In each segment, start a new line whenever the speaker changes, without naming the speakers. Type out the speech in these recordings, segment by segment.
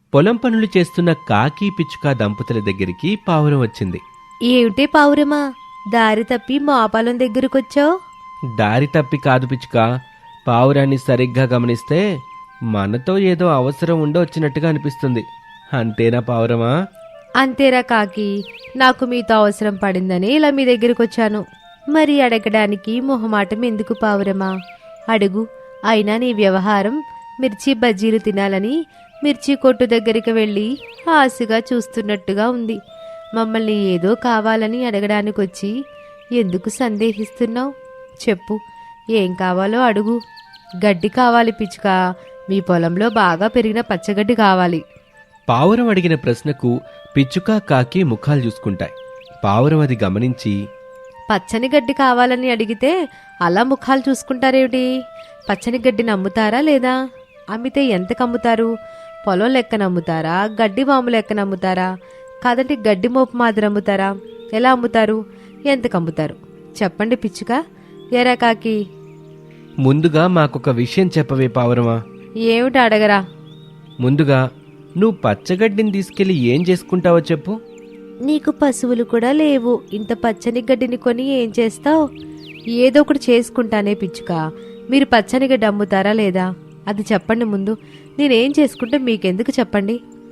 పొలం పనులు చేస్తున్న కాకి పిచ్చుక దంపతుల దగ్గరికి పావురం వచ్చింది.
ఏమిటే పావురమా, దారి తప్పి మా పొలం దగ్గరకొచ్చావు?
దారి తప్పి కాదు పిచ్చుక, పావురాన్ని సరిగ్గా గమనిస్తే మనతో ఏదో అవసరం ఉండి వచ్చినట్టుగా అనిపిస్తుంది. అంతేనా పావురమా?
అంతేరా కాకి, నాకు మీతో అవసరం పడిందని ఇలా మీ దగ్గరకొచ్చాను. మరి అడగడానికి మొహమాటం ఎందుకు పావురమా? అడుగు. అయినా నీ వ్యవహారం మిర్చి బజ్జీలు తినాలని మిర్చి కొట్టు దగ్గరికి వెళ్ళి ఆశగా చూస్తున్నట్టుగా ఉంది. మమ్మల్ని ఏదో కావాలని అడగడానికొచ్చి ఎందుకు సందేహిస్తున్నావు? చెప్పు, ఏం కావాలో అడుగు. గడ్డి కావాలి పిచ్చుక, మీ పొలంలో బాగా పెరిగిన పచ్చగడ్డి కావాలి.
పావురం అడిగిన ప్రశ్నకు పిచ్చుక కాకి ముఖాలు చూసుకుంటాయి. పావురం అది గమనించి,
పచ్చని గడ్డి కావాలని అడిగితే అలా ముఖాలు చూసుకుంటారేమిటి? పచ్చని గడ్డిని అమ్ముతారా లేదా? అమ్మితే ఎంతకు అమ్ముతారు? పొలం లెక్కన అమ్ముతారా? గడ్డి వాము లెక్కన అమ్ముతారా? కాదంటే గడ్డి మోపు మాదిరి అమ్ముతారా? ఎలా అమ్ముతారు? ఎంతకు అమ్ముతారు? చెప్పండి పిచ్చుక. ఎరా కాకి,
ముందుగా మాకొక విషయం చెప్పవే పావురమా.
ఏమిటి అడగరా?
ముందుగా నువ్వు పచ్చగడ్డిని తీసుకెళ్లి ఏం చేసుకుంటావో చెప్పు.
నీకు పశువులు కూడా లేవు, ఇంత పచ్చని గడ్డిని కొని ఏం చేస్తావు? ఏదో ఒకటి చేసుకుంటానే పిచ్చుక. మీరు పచ్చని గడ్డి అమ్ముతారా లేదా? అది చెప్పండి ముందు. నేనేం చేసుకుంటే మీకెందుకు చెప్పండి.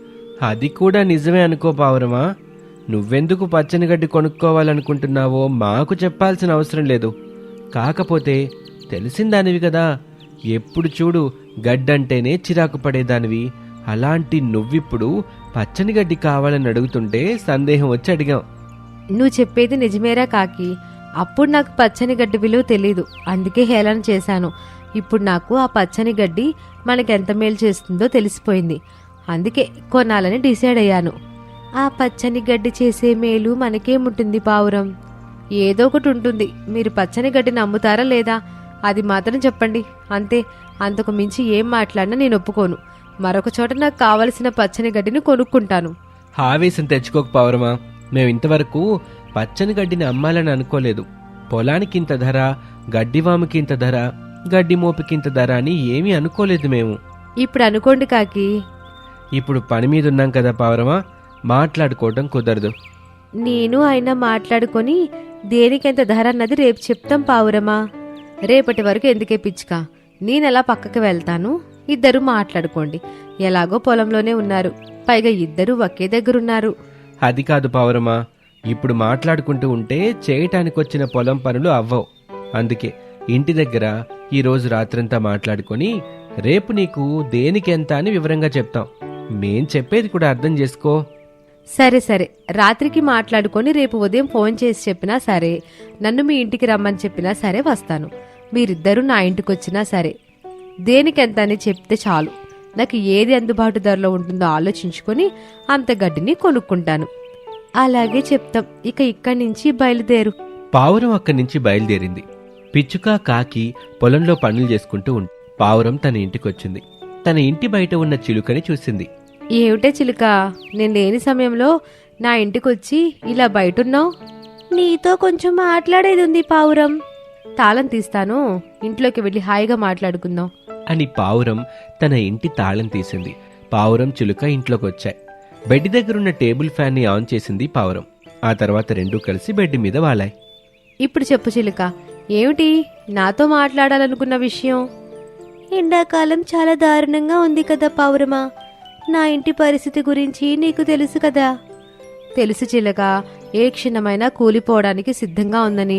అది కూడా నిజమే అనుకో పావురమా. నువ్వెందుకు పచ్చని గడ్డి కొనుక్కోవాలనుకుంటున్నావో మాకు చెప్పాల్సిన అవసరం లేదు. కాకపోతే తెలిసిందానివి కదా, ఎప్పుడు చూడు గడ్డంటేనే చిరాకు పడేదానివి. అలాంటి నువ్విప్పుడు పచ్చని గడ్డి కావాలని అడుగుతుంటే సందేహం వచ్చి అడిగాం.
నువ్వు చెప్పేది నిజమేరా కాకి. అప్పుడు నాకు పచ్చని గడ్డి విలువ తెలీదు, అందుకే హేళన చేశాను. ఇప్పుడు నాకు ఆ పచ్చని గడ్డి మనకెంత మేలు చేస్తుందో తెలిసిపోయింది. అందుకే కొనాలని డిసైడ్ అయ్యాను. ఆ పచ్చని గడ్డి చేసే మేలు మనకేముంటుంది పావురం? ఏదో ఒకటి ఉంటుంది. మీరు పచ్చని గడ్డిని అమ్ముతారా లేదా? అది మాత్రం చెప్పండి. అంతే, అంతకు మించి ఏం మాట్లాడినా నేను ఒప్పుకోను. మరొక చోట నాకు కావలసిన పచ్చని గడ్డిని కొనుక్కుంటాను.
ఆవేశం తెచ్చుకోక పావురమా. మేమింతవరకు పచ్చని గడ్డిని అమ్మాలని అనుకోలేదు. పొలానికింత ధర, గడ్డివాముకి ఇంత ధర, గడ్డి మోపికింత ధర అని ఏమీ అనుకోలేదు మేము.
ఇప్పుడు అనుకోండి కాకి.
ఇప్పుడు పని మీద ఉన్నాం కదా పావురమా, మాట్లాడుకోవటం కుదరదు.
నేను ఆయన మాట్లాడుకొని దేనికెంత ధర అన్నది రేపు చెప్తాం పావురమా. రేపటి వరకు ఎందుకే పిచ్చుక, నేనెలా పక్కకి వెళ్తాను. ఇద్దరు మాట్లాడుకోండి. ఎలాగో పొలంలోనే ఉన్నారు, పైగా ఇద్దరు ఒకే దగ్గరున్నారు.
అది కాదు పావురమా, ఇప్పుడు మాట్లాడుకుంటూ ఉంటే చేయటానికొచ్చిన పొలం పనులు అవ్వవు. అందుకే ఇంటి దగ్గర ఈరోజు రాత్రంతా మాట్లాడుకొని రేపు నీకు దేనికెంత అని వివరంగా చెప్తాం. మేం చెప్పేది కూడా అర్థం చేసుకో.
సరే సరే, రాత్రికి మాట్లాడుకొని రేపు ఉదయం ఫోన్ చేసి చెప్పినా సరే, నన్ను మీ ఇంటికి రమ్మని చెప్పినా సరే వస్తాను. మీరిద్దరూ నా ఇంటికి వచ్చినా సరే, దేనికెంత అని చెప్తే చాలు. నాకు ఏది అందుబాటు ధరలో ఉంటుందో ఆలోచించుకొని అంత గడ్డిని కొనుక్కుంటాను. అలాగే చెప్తాం. ఇక ఇక్కడి నుంచి బయలుదేరు.
పావురం అక్కడి నుంచి బయలుదేరింది. పిచ్చుక కాకి పొలంలో పనులు చేసుకుంటూ పావురం తన ఇంటికొచ్చింది. తన ఇంటి బయట ఉన్న చిలుకని చూసింది.
ఏమిటే చిలుక, నేను లేని సమయంలో నా ఇంటికొచ్చి ఇలా బయటున్నావు? నీతో కొంచెం మాట్లాడేది ఉంది పావురం. తాళం తీస్తాను, ఇంట్లోకి వెళ్ళి హాయిగా మాట్లాడుకుందాం
అని పావురం తన ఇంటి తాళం తీసింది. పావురం చిలుక ఇంట్లోకొచ్చాయి. బెడ్ దగ్గరున్న టేబుల్ ఫ్యాన్ని ఆన్ చేసింది పావురం. ఆ తర్వాత రెండూ కలిసి బెడ్ మీద వాలాయి.
ఇప్పుడు చెప్పు చిలుక, ఏమిటి నాతో మాట్లాడాలనుకున్న విషయం? ఎండాకాలం చాలా దారుణంగా ఉంది కదా పావురమా. నా ఇంటి పరిస్థితి గురించి నీకు తెలుసు కదా. తెలుసు చిలక, ఏ క్షణమైనా కూలిపోవడానికి సిద్ధంగా ఉందని.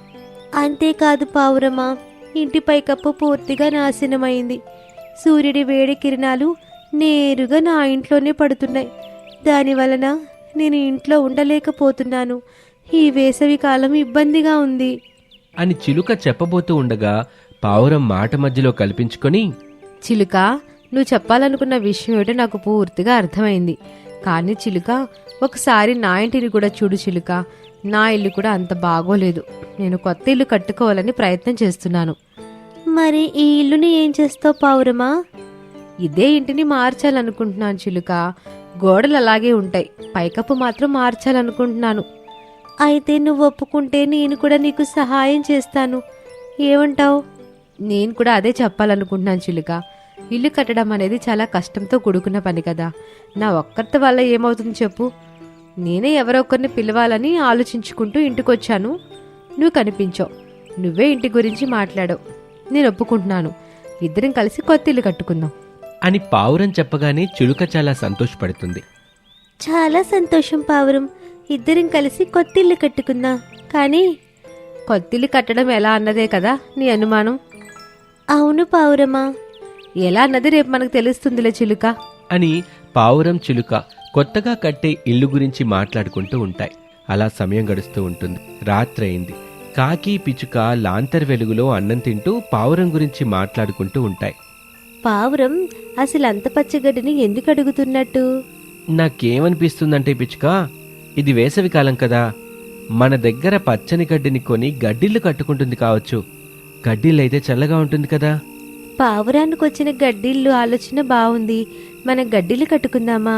అంతేకాదు పావురమా, ఇంటి పైకప్పు పూర్తిగా నాశనమైంది. సూర్యుడి వేడి కిరణాలు నేరుగా నా ఇంట్లోనే పడుతున్నాయి. దానివలన నేను ఇంట్లో ఉండలేకపోతున్నాను. ఈ వేసవి కాలం ఇబ్బందిగా ఉంది
అని చిలుక చెప్పబోతూ ఉండగా పావురం మాట మధ్యలో కల్పించుకొని,
చిలుక, నువ్వు చెప్పాలనుకున్న విషయం ఏమిటో నాకు పూర్తిగా అర్థమైంది. కానీ చిలుక, ఒకసారి నా ఇంటిని కూడా చూడు చిలుక. నా ఇల్లు కూడా అంత బాగోలేదు. నేను కొత్త ఇల్లు కట్టుకోవాలని ప్రయత్నం చేస్తున్నాను. మరి ఈ ఇల్లుని ఏం చేస్తావు పావురమా? ఇదే ఇంటిని మార్చాలనుకుంటున్నాను చిలుక. గోడలు అలాగే ఉంటాయి, పైకప్పు మాత్రం మార్చాలనుకుంటున్నాను. అయితే నువ్వు ఒప్పుకుంటే నేను కూడా నీకు సహాయం చేస్తాను. ఏమంటావు? నేను కూడా అదే చెప్పాలనుకుంటున్నాను చిలుక. ఇల్లు కట్టడం అనేది చాలా కష్టంతో కూడుకున్న పని కదా. నా ఒక్కరితో వల్ల ఏమవుతుంది చెప్పు. నేనే ఎవరో ఒకరిని పిలవాలని ఆలోచించుకుంటూ ఇంటికొచ్చాను. నువ్వు కనిపించావు. నువ్వే ఇంటి గురించి మాట్లాడావు. నేను ఒప్పుకుంటున్నాను. ఇద్దరం కలిసి కొత్త ఇల్లు కట్టుకుందాం
అని పావురం చెప్పగానే చిలుక చాలా సంతోషపడుతుంది.
చాలా సంతోషం పావురం. ఇద్దరం కలిసి కొత్త ఇల్లు కట్టుకుందాం. కానీ కొత్త ఇల్లు కట్టడం ఎలా అన్నదే కదా నీ అనుమానం? అవును పావురమా. ఎలా అన్నది రేపు మనకు తెలుస్తుందిలే చిలుక
అని పావురం చిలుక కొత్తగా కట్టే ఇల్లు గురించి మాట్లాడుకుంటూ ఉంటాయి. అలా సమయం గడుస్తూ ఉంటుంది. రాత్రి అయింది. కాకి పిచ్చుక లాంతర్ వెలుగులో అన్నం తింటూ పావురం గురించి మాట్లాడుకుంటూ ఉంటాయి.
పావురం అసలు అంత పచ్చగడ్డిని ఎందుకు అడుగుతున్నట్టు?
నాకేమనిపిస్తుందంటే పిచ్చుక, ఇది వేసవికాలం కదా, మన దగ్గర పచ్చని గడ్డిని కొని గడ్డిళ్ళు కట్టుకుంటుంది కావచ్చు. గడ్డిళ్ళైతే చల్లగా ఉంటుంది కదా.
పావురానికి వచ్చిన గడ్డిళ్ళు ఆలోచన బాగుంది. మన గడ్డిలు కట్టుకుందామా?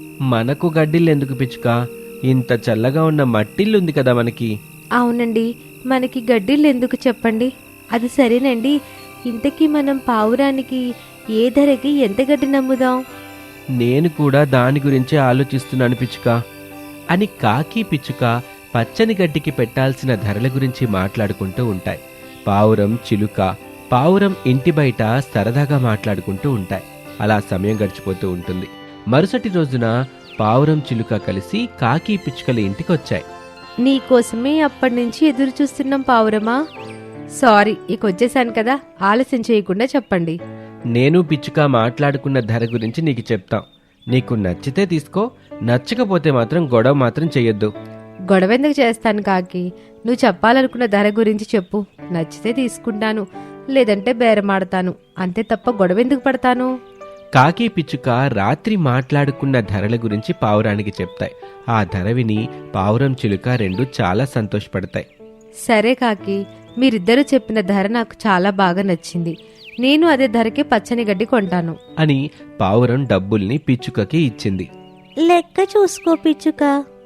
మనకు గడ్డిళ్ళు ఎందుకు పిచ్చుక? ఇంత చల్లగా ఉన్న మట్టిల్లుంది కదా మనకి.
అవునండి, మనకి గడ్డిళ్ళు ఎందుకు చెప్పండి. అది సరేనండి. ఇంతకీ మనం పావురానికి ఏ ధరకి ఎంత గడ్డి నమ్ముదాం?
నేను కూడా దాని గురించే ఆలోచిస్తున్నాను పిచ్చుక అని కాకి పిచ్చుక పచ్చని గడ్డికి పెట్టాల్సిన ధరల గురించి మాట్లాడుకుంటూ ఉంటాయి. పావురం చిలుక పావురం ఇంటి బయట సరదాగా మాట్లాడుకుంటూ ఉంటాయి. అలా సమయం గడిచిపోతూ ఉంటుంది. మరుసటి రోజున పావురం చిలుక కలిసి కాకి పిచ్చుకల ఇంటికొచ్చాయి.
నీకోసమే అప్పటి నుంచి ఎదురు చూస్తున్నాం పావురమా. సారీ, ఇక వచ్చేసాను కదా, ఆలస్యం చేయకుండా చెప్పండి.
నేను పిచ్చుక మాట్లాడుకున్న ధర గురించి నీకు చెప్తాం. నీకు నచ్చితే తీసుకో, నచ్చకపోతే మాత్రం గొడవ మాత్రం చెయ్యొద్దు.
గొడవ ఎందుకు చేస్తాను కాకి? నువ్వు చెప్పాలనుకున్న ధర గురించి చెప్పు. నచ్చితే తీసుకుంటాను, లేదంటే బేరమాడతాను. అంతే తప్ప గొడవ ఎందుకు పడతాను?
కాకి పిచ్చుక రాత్రి మాట్లాడుకున్న ధరల గురించి పావురానికి చెప్తాయి. ఆ ధర విని పావురం చిలుక రెండు చాలా సంతోషపడతాయి.
సరే కాకి, మీరిద్దరూ చెప్పిన ధర నాకు చాలా బాగా నచ్చింది. నేను అదే ధరకి పచ్చని గడ్డి కొంటాను
అని పావురం డబ్బుల్ని పిచ్చుకకి ఇచ్చింది.
లెక్క చూసుకో పిచ్చుక.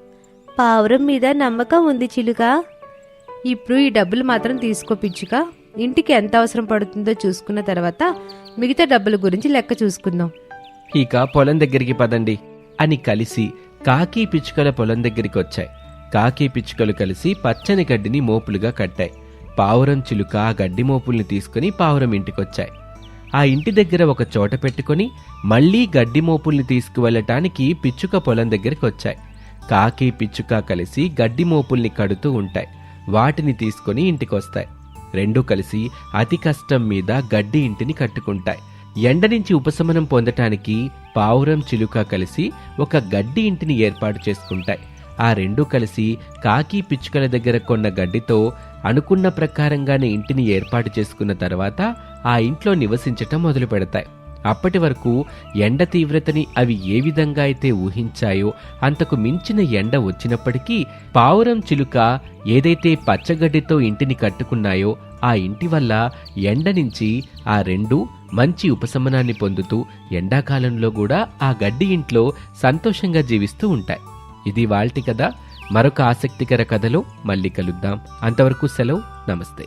పావురం మీద నమ్మకం ఉంది చిలుక. ఇప్పుడు ఈ డబ్బులు మాత్రం తీసుకో పిచ్చుక. ఇంటికి ఎంత అవసరం పడుతుందో చూసుకున్న తర్వాత మిగతా డబ్బుల గురించి లెక్క చూసుకుందాం.
ఇక పొలం దగ్గరికి పదండి అని కలిసి కాకి పిచ్చుకల పొలం దగ్గరికి వచ్చాయి. కాకి పిచ్చుకలు కలిసి పచ్చని గడ్డిని మోపులుగా కట్టాయి. పావురం చిలుక ఆ గడ్డి మోపుల్ని తీసుకుని పావురం ఇంటికొచ్చాయి. ఆ ఇంటి దగ్గర ఒక చోట పెట్టుకుని మళ్లీ గడ్డి మోపుల్ని తీసుకువెళ్ళటానికి పిచ్చుక పొలం దగ్గరికి వచ్చాయి. కాకి పిచ్చుక కలిసి గడ్డి మోపుల్ని కడుతూ ఉంటాయి. వాటిని తీసుకుని ఇంటికొస్తాయి. రెండూ కలిసి అతి కష్టం మీద గడ్డి ఇంటిని కట్టుకుంటాయి. ఎండ నుంచి ఉపశమనం పొందటానికి పావురం చిలుక కలిసి ఒక గడ్డి ఇంటిని ఏర్పాటు చేసుకుంటాయి. ఆ రెండూ కలిసి కాకి పిచ్చుకల దగ్గర కొన్న గడ్డితో అనుకున్న ప్రకారంగానే ఇంటిని ఏర్పాటు చేసుకున్న తర్వాత ఆ ఇంట్లో నివసించటం మొదలు పెడతాయి. అప్పటి వరకు ఎండ తీవ్రతని అవి ఏ విధంగా అయితే ఊహించాయో అంతకు మించిన ఎండ వచ్చినప్పటికీ పావురం చిలుక ఏదైతే పచ్చగడ్డితో ఇంటిని కట్టుకున్నాయో ఆ ఇంటి వల్ల ఎండ నుంచి ఆ రెండు మంచి ఉపశమనాన్ని పొందుతూ ఎండాకాలంలో కూడా ఆ గడ్డి ఇంట్లో సంతోషంగా జీవిస్తూ ఉంటాయి. ఇది వాల్టి కథ. మరొక ఆసక్తికర కథలో మళ్ళీ కలుద్దాం. అంతవరకు సెలవు. నమస్తే.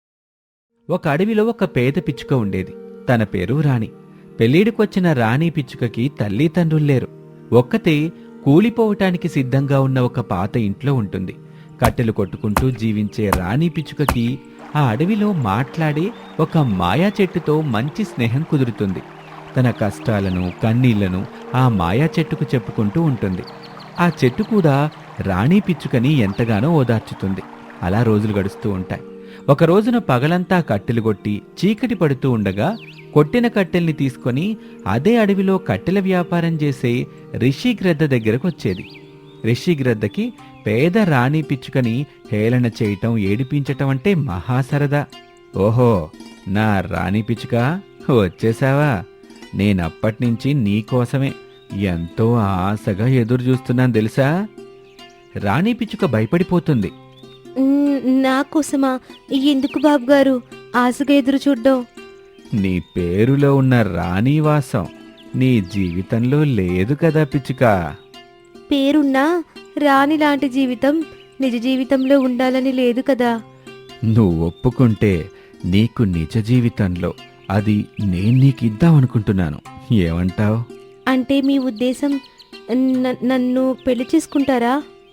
ఒక అడవిలో ఒక పేద పిచ్చుక ఉండేది. తన పేరు రాణి. పెళ్ళిడికొచ్చిన రాణి పిచ్చుకకి తల్లి తండ్రుల్లేరు. ఒక్కతే కూలిపోవటానికి సిద్ధంగా ఉన్న ఒక పాత ఇంట్లో ఉంటుంది. కట్టెలు కొట్టుకుంటూ జీవించే రాణి పిచ్చుకకి ఆ అడవిలో మాట్లాడే ఒక మాయా చెట్టుతో మంచి స్నేహం కుదురుతుంది. తన కష్టాలను కన్నీళ్లను ఆ మాయా చెట్టుకు చెప్పుకుంటూ ఉంటుంది. ఆ చెట్టు కూడా రాణి పిచ్చుకని ఎంతగానో ఓదార్చుతుంది. అలా రోజులు గడుస్తూ ఉంటాయి. ఒక రోజున పగలంతా కట్టెలు కొట్టి చీకటి పడుతూ ఉండగా కొట్టిన కట్టెల్ని తీసుకొని అదే అడవిలో కట్టెల వ్యాపారం చేసే రిషిగ్రద్ద దగ్గరకు వచ్చేది. రిషిగ్రద్దకి పేద రాణి పిచ్చుకని హేళన చేయటం ఏడిపించటం అంటే మహాసరదా. ఓహో, నా రాణి పిచ్చుక వచ్చేసావా? నేనప్పటినుంచి నీకోసమే ఎంతో ఆశగా ఎదురు చూస్తున్నాను తెలుసా? రాణి పిచ్చుక భయపడిపోతుంది.
నాకోసమా? ఎందుకు బాబుగారు ఆశగా ఎదురు చూడ్డం?
నీ పేరులో ఉన్న రాణివాసం నీ జీవితంలో లేదు కదా పిచ్చుక.
పేరున్నా రాణి లాంటి జీవితం నిజ జీవితంలో ఉండాలని లేదు కదా.
నువ్వు ఒప్పుకుంటే నీకు నిజ జీవితంలో అది నేను నీకు ఇద్దామనుకుంటున్నాను. ఏమంటావ్?
అంటే మీ ఉద్దేశం నన్ను పెళ్లి చేసుకుంటారా?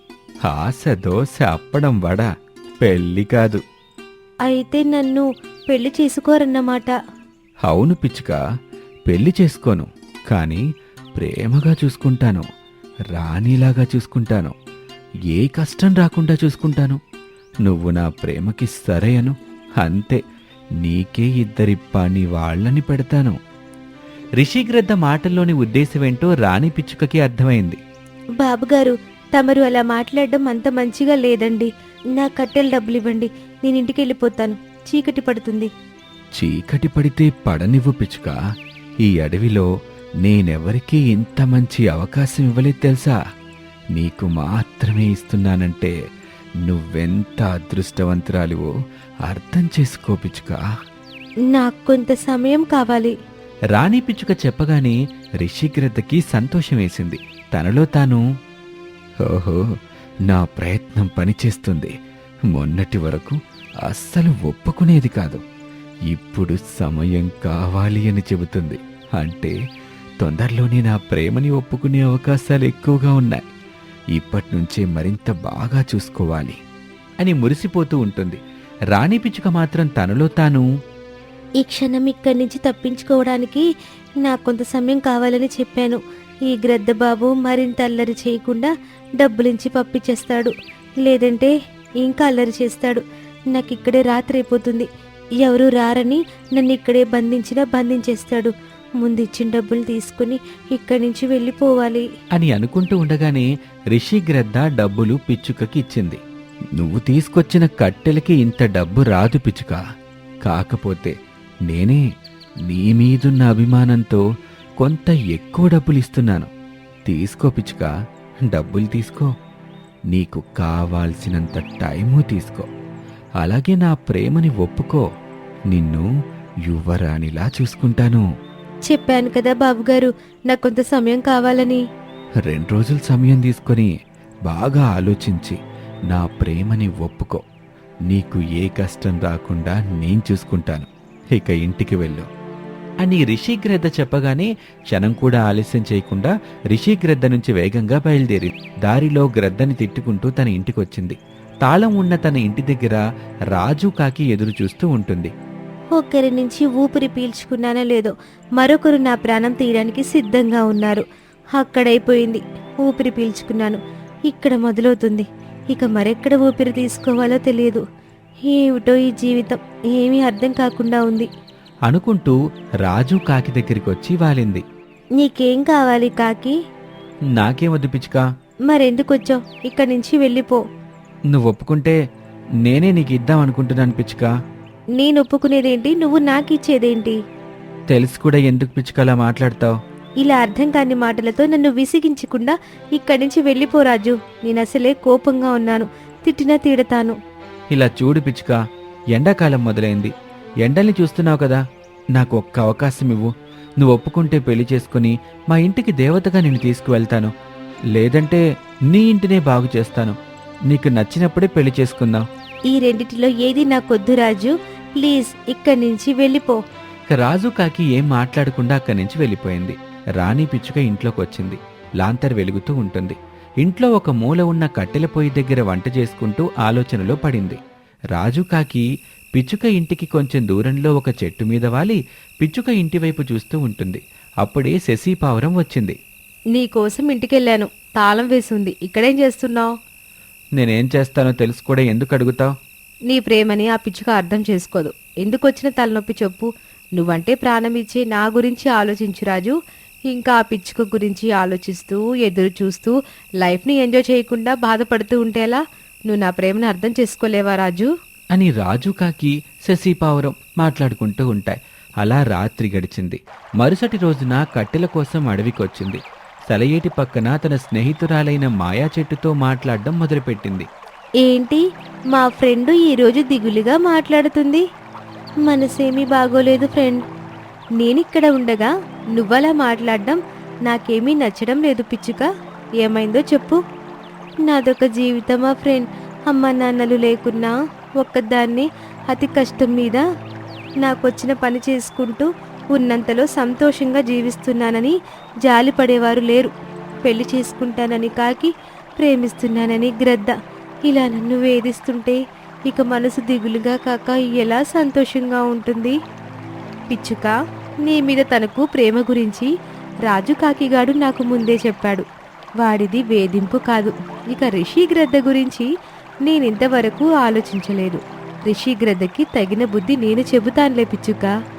ఆశ దోశ అప్పడం వడ, పెళ్ళి కాదు.
అయితే నన్ను పెళ్లి చేసుకోరన్నమాట.
అవును పిచ్చుక, పెళ్లి చేసుకోను, కానీ ప్రేమగా చూసుకుంటాను, రాణిలాగా చూసుకుంటాను, ఏ కష్టం రాకుండా చూసుకుంటాను. నువ్వు నా ప్రేమకి సరేయను, అంతే, నీకే ఇద్దరి పని వాళ్ళని పెడతాను. రిషిగ్రద్ద మాటల్లోని ఉద్దేశమేంటో రాణి పిచ్చుకకి అర్థమైంది.
బాబుగారు, తమరు అలా మాట్లాడడం అంత మంచిగా లేదండి. నా కట్టెల డబ్బులు ఇవ్వండి, నేను ఇంటికి వెళ్ళిపోతాను, చీకటి పడుతుంది.
చీకటి పడితే పడనివ్వు పిచ్చుక. ఈ అడవిలో నేనెవరికీ ఇంత మంచి అవకాశం ఇవ్వలేదు తెలుసా? నీకు మాత్రమే ఇస్తున్నానంటే నువ్వెంత అదృష్టవంతురాలివో అర్థం చేసుకో పిచ్చుక.
నాకు కొంత సమయం కావాలి.
రాణి పిచ్చుక చెప్పగానే రిషిగ్రద్దకి సంతోషం వేసింది. తనలో తాను, ఓహో, నా ప్రయత్నం పనిచేస్తుంది. మొన్నటి వరకు అస్సలు ఒప్పుకునేది కాదు, ఇప్పుడు సమయం కావాలి అని చెబుతుంది. అంటే తొందరలోనే నా ప్రేమని ఒప్పుకునే అవకాశాలు ఎక్కువగా ఉన్నాయి. ఇప్పటినుంచే మరింత బాగా చూసుకోవాలి అని మురిసిపోతూ ఉంటుంది. రాణి పిచ్చుక మాత్రం తనలో తాను,
ఈ క్షణం ఇక్కడి నుంచి తప్పించుకోవడానికి నాకు కొంత సమయం కావాలని చెప్పాను. ఈ గ్రద్ద బాబు మరింత అల్లరి చేయకుండా డబ్బులించి పంపించేస్తాడు, లేదంటే ఇంకా అల్లరి చేస్తాడు. నాకు ఇక్కడే రాత్రి అయిపోతుంది. ఎవరు రారని నన్ను ఇక్కడే బంధించేస్తాడు. ముందు ఇచ్చిన డబ్బులు తీసుకుని ఇక్కడి నుంచి వెళ్ళిపోవాలి
అని అనుకుంటూ ఉండగానే రిషిగ్రద్ద డబ్బులు పిచ్చుకకి ఇచ్చింది. నువ్వు తీసుకొచ్చిన కట్టెలకి ఇంత డబ్బు రాదు పిచ్చుక. కాకపోతే నేనే నీ మీదున్న అభిమానంతో కొంత ఎక్కువ డబ్బులు ఇస్తున్నాను. తీసుకో పిచ్చుక, డబ్బులు తీసుకో. నీకు కావాల్సినంత టైము తీసుకో. అలాగే నా ప్రేమని ఒప్పుకో. నిన్ను యువరాణిలా చూసుకుంటాను.
చెప్పాను కదా బాబుగారు, నాకు కొంత సమయం కావాలని.
2 రోజులు సమయం తీసుకొని బాగా ఆలోచించి నా ప్రేమని ఒప్పుకో. నీకు ఏ కష్టం రాకుండా నేను చూసుకుంటాను. ఇక ఇంటికి వెళ్ళు అని రిషిగ్రద్ద చెప్పగానే క్షణం కూడా ఆలస్యం చేయకుండా రిషిగ్రద్ద నుంచి వేగంగా బయలుదేరి దారిలో గ్రద్దని తిట్టుకుంటూ తన ఇంటికొచ్చింది. తాళం ఉన్న తన ఇంటి దగ్గర రాజు కాకి ఎదురు చూస్తూ ఉంటుంది.
ఒకరి నుంచి ఊపిరి పీల్చుకున్నానో లేదో మరొకరు నా ప్రాణం తీయడానికి సిద్ధంగా ఉన్నారు. అక్కడైపోయింది, ఊపిరి పీల్చుకున్నాను. ఇక్కడ మొదలవుతుంది, ఇక మరెక్కడ ఊపిరి తీసుకోవాలో తెలియదు. ఏమిటో ఈ జీవితం, ఏమీ అర్థం కాకుండా ఉంది
అనుకుంటూ రాజు కాకి దగ్గరికి వచ్చి వాలింది.
నీకేం కావాలి కాకి?
నాకేమొద్దు పిచ్చుక.
మరెందుకొచ్చావు? ఇక్కడి నుంచి వెళ్ళిపో.
నువ్వు ఒప్పుకుంటే నేనే నీకు ఇద్దాం అనుకుంటున్నాను పిచ్చుక.
నేను ఒప్పుకునేదేంటి, నువ్వు నాకిచ్చేదేంటి?
తెలిసి కూడా ఎందుకు పిచ్చుక అలా మాట్లాడతావు?
ఇలా అర్థం కాని మాటలతో నన్ను విసిగించకుండా ఇక్కడి నుంచి వెళ్ళిపో రాజు. నేను అసలే కోపంగా ఉన్నాను, తిట్టినా తిడతాను.
ఇలా చూడు పిచ్చుక, ఎండాకాలం మొదలైంది. ఎండల్ని చూస్తున్నావు కదా, నాకు ఒక్క అవకాశం ఇవ్వు. నువ్వు ఒప్పుకుంటే పెళ్లి చేసుకుని మా ఇంటికి దేవతగా నిన్ను తీసుకువెళ్తాను, లేదంటే నీ ఇంటినే బాగు చేస్తాను. నీకు నచ్చినప్పుడే పెళ్లి చేసుకుందాం.
ఈ రెండిటిలో ఏది నాకొద్దు రాజు, ప్లీజ్ ఇక్కడి నుంచి వెళ్ళిపో.
రాజు కాకి ఏం మాట్లాడకుండా అక్కడి నుంచి వెళ్ళిపోయింది. రాణి పిచ్చుక ఇంట్లోకి వచ్చింది. లాంతర్ వెలుగుతూ ఉంటుంది. ఇంట్లో ఒక మూల ఉన్న కట్టెల పొయ్యి దగ్గర వంట చేసుకుంటూ ఆలోచనలో పడింది. రాజు కాకి పిచ్చుక ఇంటికి కొంచెం దూరంలో ఒక చెట్టు మీద వాలి పిచ్చుక ఇంటివైపు చూస్తూ ఉంటుంది. అప్పుడే శశిపావురం వచ్చింది.
నీకోసం ఇంటికెళ్ళాను, తాళం వేసింది, ఇక్కడేం చేస్తున్నావు?
నేనేం చేస్తానో తెలుసు కూడా ఎందుకు అడుగుతావు?
నీ ప్రేమని ఆ పిచ్చుక అర్థం చేసుకోదు. ఎందుకొచ్చిన తలనొప్పి చెప్పు. నువ్వంటే ప్రాణం ఇచ్చే నా గురించి ఆలోచించు రాజు. ఇంకా ఆ పిచ్చుక గురించి ఆలోచిస్తూ ఎదురు చూస్తూ లైఫ్ని ఎంజాయ్ చేయకుండా బాధపడుతూ ఉంటేలా? నువ్వు నా ప్రేమను అర్థం చేసుకోలేవా రాజు?
అని రాజు కాకి శశిపావురం మాట్లాడుకుంటూ ఉంటాయి. అలా రాత్రి గడిచింది. మరుసటి రోజున కట్టెల కోసం అడవికొచ్చింది. సెలయేటి పక్కన తన స్నేహితురాలైన మాయా చెట్టుతో మాట్లాడడం మొదలుపెట్టింది.
ఏంటి, మా ఫ్రెండ్ ఈరోజు దిగులుగా మాట్లాడుతుంది? మనసేమీ బాగోలేదు ఫ్రెండ్. నేనిక్కడ ఉండగా నువ్వలా మాట్లాడడం నాకేమీ నచ్చడం లేదు పిచ్చుక. ఏమైందో చెప్పు. నాదొక జీవితమా ఫ్రెండ్. అమ్మ నాన్నలు లేకున్నా ఒక్కదాన్ని అతి కష్టం మీద నాకొచ్చిన పని చేసుకుంటూ ఉన్నంతలో సంతోషంగా జీవిస్తున్నానని జాలిపడేవారు లేరు. పెళ్లి చేసుకుంటానని కాకి, ప్రేమిస్తున్నానని గ్రద్ద ఇలా నన్ను వేధిస్తుంటే ఇక మనసు దిగులుగా కాక ఎలా సంతోషంగా ఉంటుంది? పిచ్చుక, నీ మీద తనకు ప్రేమ గురించి రాజు కాకిగాడు నాకు ముందే చెప్పాడు. వాడిది వేధింపు కాదు. ఇక రిషి గ్రద్ద గురించి నేనింతవరకు ఆలోచించలేదు. రిషి గ్రద్దకి తగిన బుద్ధి నేను చెబుతానులే పిచ్చుక.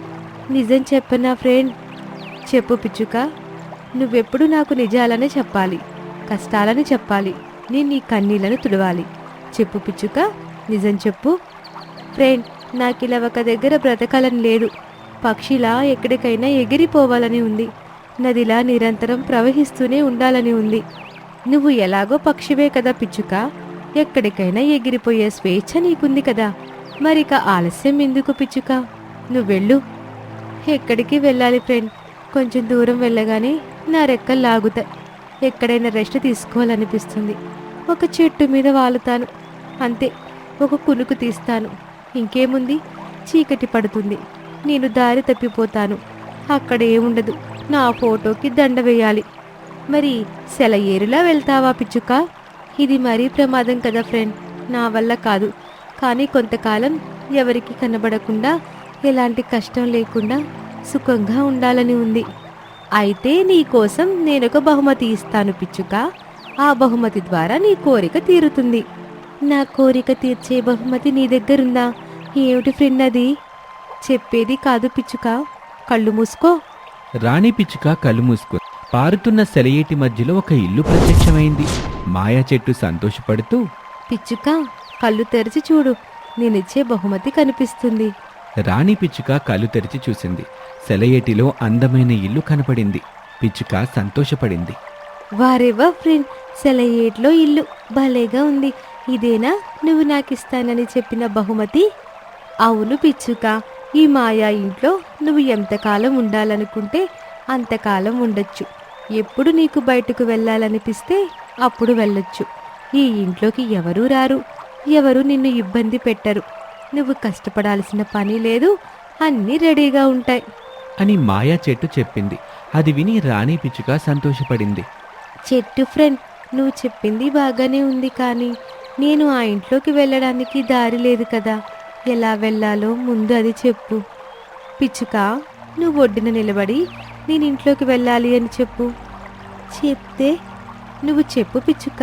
నిజం చెప్పనా ఫ్రెండ్? చెప్పు పిచ్చుక. నువ్వెప్పుడు నాకు నిజాలనే చెప్పాలి, కష్టాలని చెప్పాలి, నేను నీ కన్నీళ్లను తుడవాలి. చెప్పు పిచ్చుక, నిజం చెప్పు. ఫ్రెండ్, నాకిలా ఒక దగ్గర బ్రతకాలని లేదు. పక్షిలా ఎక్కడికైనా ఎగిరిపోవాలని ఉంది. నదిలా నిరంతరం ప్రవహిస్తూనే ఉండాలని ఉంది. నువ్వు ఎలాగో పక్షివే కదా పిచ్చుక, ఎక్కడికైనా ఎగిరిపోయే స్వేచ్ఛ నీకుంది కదా. మరిక ఆలస్యం ఎందుకు పిచ్చుక? నువ్వెళ్ళు. ఎక్కడికి వెళ్ళాలి ఫ్రెండ్? కొంచెం దూరం వెళ్ళగానే నా రెక్కలు లాగుతాయి. ఎక్కడైనా రెస్ట్ తీసుకోవాలనిపిస్తుంది. ఒక చెట్టు మీద వాలుతాను అంతే. ఒక కునుకు తీస్తాను. ఇంకేముంది? చీకటి పడుతుంది. నేను దారి తప్పిపోతాను. అక్కడ ఏముండదు. నా ఫోటోకి దండ వేయాలి. మరి సెలయేరులా వెళ్తావా పిచ్చుక? ఇది మరీ ప్రమాదం కదా ఫ్రెండ్. నా వల్ల కాదు. కానీ కొంతకాలం ఎవరికి కనబడకుండా, ఎలాంటి కష్టం లేకుండా సుఖంగా ఉండాలని ఉంది. అయితే నీ కోసం నేనొక బహుమతి ఇస్తాను పిచ్చుక. ఆ బహుమతి ద్వారా నీ కోరిక తీరుతుంది. నా కోరిక తీర్చే బహుమతి నీ దగ్గరుందా? ఏమిటి ఫ్రెండ్ అది? చెప్పేది కాదు పిచ్చుక, కళ్ళు మూసుకో.
రాణి పిచ్చుక కళ్ళు మూసుకుంది. పారుతున్న సెలయేటి మధ్యలో ఒక ఇల్లు ప్రత్యక్షమైంది. మాయా చెట్టు సంతోషపడుతూ,
పిచ్చుక, కళ్ళు తెరిచి చూడు, నేనిచ్చే బహుమతి కనిపిస్తుంది.
రాణి పిచ్చుక కళ్ళు తెరిచి చూసింది. సెలయేటిలో అందమైన ఇల్లు కనపడింది. పిచ్చుక సంతోషపడింది.
వారేవా ఫ్రెండ్, సెలయేట్లో ఇల్లు భలేగా ఉంది. ఇదేనా నువ్వు నాకిస్తానని చెప్పిన బహుమతి? అవును పిచ్చుక, ఈ మాయా ఇంట్లో నువ్వు ఎంతకాలం ఉండాలనుకుంటే అంతకాలం ఉండొచ్చు. ఎప్పుడు నీకు బయటకు వెళ్ళాలనిపిస్తే అప్పుడు వెళ్ళొచ్చు. ఈ ఇంట్లోకి ఎవరూ రారు, ఎవరు నిన్ను ఇబ్బంది పెట్టరు. నువ్వు కష్టపడాల్సిన పని లేదు, అన్నీ రెడీగా ఉంటాయి
అని మాయా చెట్టు చెప్పింది. అది విని రాణి పిచ్చుక సంతోషపడింది.
చెట్టు ఫ్రెండ్, నువ్వు చెప్పింది బాగానే ఉంది, కానీ నేను ఆ ఇంట్లోకి వెళ్ళడానికి దారి లేదు కదా. ఎలా వెళ్ళాలో ముందు అది చెప్పు. పిచ్చుక, నువ్వు ఒడ్డున నిలబడి నేను ఇంట్లోకి వెళ్ళాలి అని చెప్పు. చెప్తే నువ్వు చెప్పు పిచ్చుక.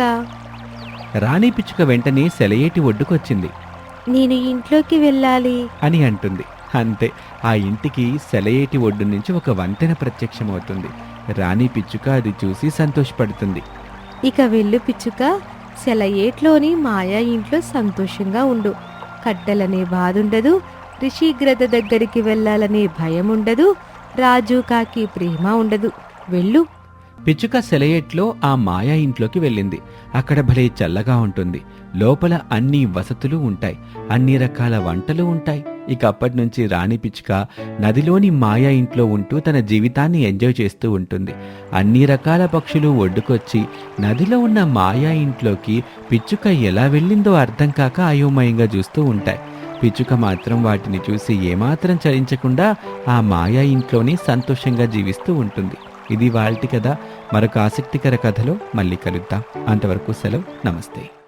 రాణి పిచ్చుక వెంటనే సెలయేటి ఒడ్డుకొచ్చింది.
నేను ఇంట్లోకి వెళ్ళాలి
అని అంటుంది. అంతే, ఆ ఇంటికి సెలయేటి ఒడ్డు నుంచి ఒక వంతెన ప్రత్యక్షమవుతుంది. రాణి పిచ్చుక అది చూసి సంతోషపడుతుంది.
ఇక వెళ్ళు పిచ్చుక, సెలయేట్లోని మాయా ఇంట్లో సంతోషంగా ఉండు. కట్టెలనే బాధుండదు, రిషి గ్రద్ద దగ్గరికి వెళ్ళాలనే భయం ఉండదు, రాజు కాకి ప్రేమ ఉండదు. వెళ్ళు.
పిచ్చుక సెలయేట్లో ఆ మాయా ఇంట్లోకి వెళ్ళింది. అక్కడ భలే చల్లగా ఉంటుంది. లోపల అన్ని వసతులు ఉంటాయి, అన్ని రకాల వంటలు ఉంటాయి. ఇక అప్పటి నుంచి రాణి పిచ్చుక నదిలోని మాయా ఇంట్లో ఉంటూ తన జీవితాన్ని ఎంజాయ్ చేస్తూ ఉంటుంది. అన్ని రకాల పక్షులు ఒడ్డుకొచ్చి నదిలో ఉన్న మాయా ఇంట్లోకి పిచ్చుక ఎలా వెళ్ళిందో అర్థం కాక అయోమయంగా చూస్తూ ఉంటాయి. పిచ్చుక మాత్రం వాటిని చూసి ఏమాత్రం చలించకుండా ఆ మాయా ఇంట్లోనే సంతోషంగా జీవిస్తూ ఉంటుంది. ఇది వాల్టి కథ. మరొక ఆసక్తికర కథలో మళ్ళీ కలుద్దాం. అంతవరకు సెలవు. నమస్తే.